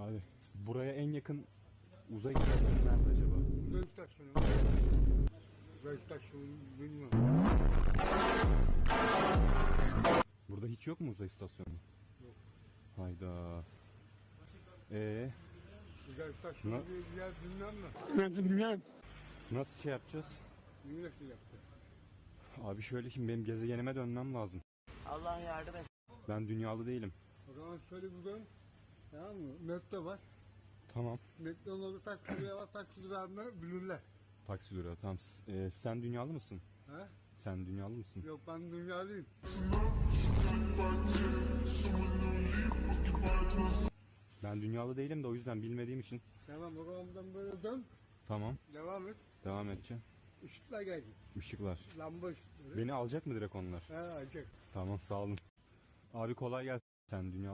Abi buraya en yakın uzay istasyonu nerede acaba? Uzay istasyonu. Uzay istasyonu bilmiyorum. Burada hiç yok mu uzay istasyonu? Yok. Hayda. Uzay istasyonu Ne? diye bir yer bilmem mi? Bilmem. Nasıl şey yapacağız? Nasıl yaptı? Abi şöyle, şimdi benim gezegenime dönmem lazım. Allah yardım etsin. Ben dünyalı değilim. O zaman şöyle bir dön. Tamam mı? Nette var. Tamam. Nette onları taksiciye var. Taksicilerden bilirler. Taksi duruyor. Tamam. Sen dünyalı mısın? He? Sen dünyalı mısın? Yok ben dünyalıyım. Ben dünyalı değilim de o yüzden bilmediğim için. Tamam o zaman buradan böyle dön. Tamam. Devam et. Devam edeceğim. Işıklar gelecek. Işıklar. Lamba ışıkları. Beni alacak mı direkt onlar? He alacak. Tamam, sağ olun. Abi kolay gelsin. Sen dünyalı